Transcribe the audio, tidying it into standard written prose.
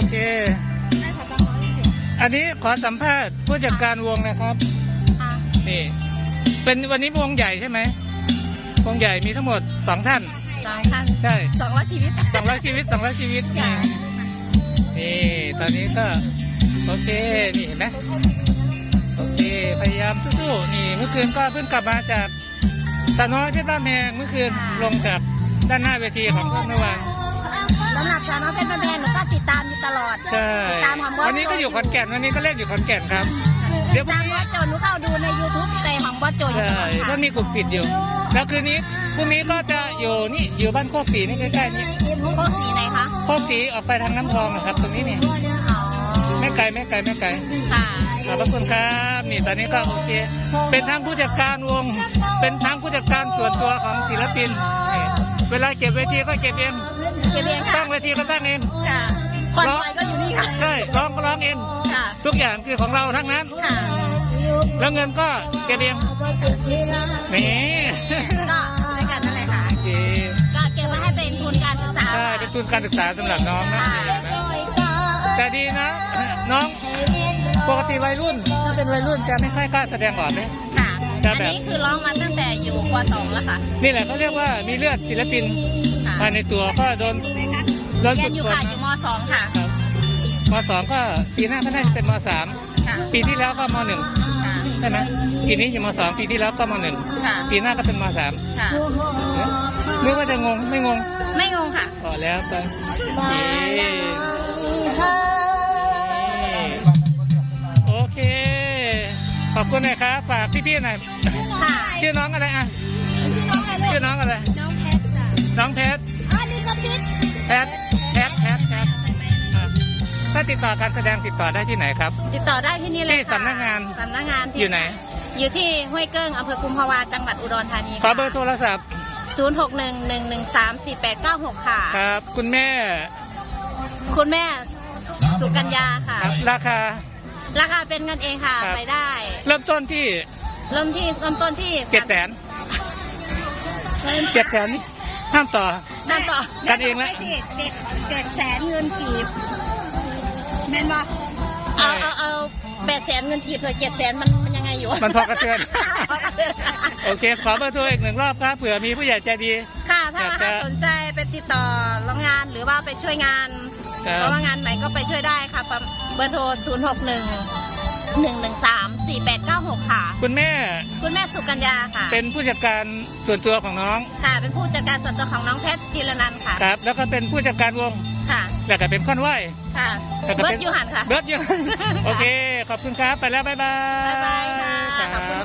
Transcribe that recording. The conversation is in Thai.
เคอันนี้ขอสัมภาษณ์ผู้จัดการวงนะครับนี่เป็นวันนี้วงใหญ่ใช่ไหมวงใหญ่มีทั้งหมด2 ท่านใช่ 200 ชีวิต 200 ชีวิต200 ชีวิตนี่ตอนนี้ก็โอเคนี่เห็นไหมโอเคพยายามสู้ๆนี่เมื่อคืนก็เพิ่งกลับมาจากสาวน้อยเพชรบ้านแพงเมื่อคืนลงจากด้านหน้าเวทีของเมื่อวานสำหรับสาวน้อยเพชรบ้านแพงหนูก็ติดตามอยู่ตลอดใช่วันนี้ก็อยู่ขอนแก่นวันนี้ก็เล่นอยู่ขอนแก่นครับเดี๋ยวพรุ่งนี้บอสโจหนูเข้าดูใน YouTube แต่ของบอสโจอยู่ใช่ก็มีกลุ่มปิดอยู่แล้วคืนนี้พรุ่งนี้ก็จะอยู่นี่อยู่บ้านโคกศรีนี่ใกล้ๆนี่โคกศรีไหนคะโคกศรีออกไปทางน้ำพองนะครับตรงนี้นี่ไม่ไกลค่ะขอบคุณครับนี่ตอนนี้ก็โอเคเป็นทั้งผู้จัดการวงเป็นทั้งผู้จัดการส่วนตัวของศิลปินนี่เวลาเก็บเวทีก็เก็บเองตั้งเวทีก็ตั้งเองร้องก็อยู่นี่ค่ะใช่ร้องก็ร้องเองทุกอย่างคือของเราทั้งนั้นแล้วเงินก็เก็บเองนี่ก็ด้วยกันนั่นแหละค่ะก็เก็บไว้ให้เป็นทุนการศึกษาใช่เป็นทุนการศึกษาสำหรับน้องนะแต่ดีนะน้องปกติวัยรุ่นถ้าเป็นวัยรุ่นจะไม่ค่อยกล้าแสดงออกเลยค่ะอันนี้คือร้องมาตั้งแต่อยู่ป .2 แล้วค่ะนี่แหละเขาเรียกว่ามีเลือดศิลปินภายในตัวก็โดนฝึกอยู่ค่ะอยู่ม .2 ค่ะม .2 ก็ปีหน้าก็น่าจะเป็นม .3 ปีที่แล้วก็ม .1 ใช่ไหมปีนี้อยู่ม .2 ปีที่แล้วก็ม .1 ปีหน้าก็เป็นม .3 นึกว่าจะงงไม่งงค่ะพอแล้วไปโอเคขอบคุณนะครับฝากพี่ๆหน่อยชื่อน้องอะไรอ่ะชื่อน้องอะไรน้องเพชรแพทถ้าติดต่อการแสดงติดต่อได้ที่ไหนครับติดต่อได้ที่นี่เลยที่สำนักงานอยู่ไหนอยู่ที่ห้วยเกิ้งอำเภอกุมภาวาจังหวัดอุดรธานีขอเบอร์โทรศัพท์ 0611134896ค่ะครับคุณแม่สุกัญญาค่ะราคาเป็นเงินเองค่ะไปได้เริ่มต้นที่700,000นี่ห้ามต่อกันเองแล้ว 700,000เงินกีบแม่นบ่เอา800,000เงินกีบเลย700,000มันยังไงอยู่มันพอกระเทือนโอเคขอเบอร์โทรอีก1 รอบครับเผื่อมีผู้ใหญ่ใจดีค่ะถ้าสนใจไปติดต่อร้องงานหรือว่าไปช่วยงานร้องงานไหนก็ไปช่วยได้ค่ะเบอร์โทร0611134896ค่ะคุณแม่สุกัญญาค่ะเป็นผู้จัดการส่วนตัวของน้องค่ะเป็นผู้จัดการส่วนตัวของน้องเพชรจิรนันท์ค่ะครับแล้วก็เป็นผู้จัดการวงค่ะแล้วก็เป็นค่อนไหวค่ะเบิร์ดยูหันค่ะโอเคขอบคุณครับไปแล้วบ๊ายบายค่ะ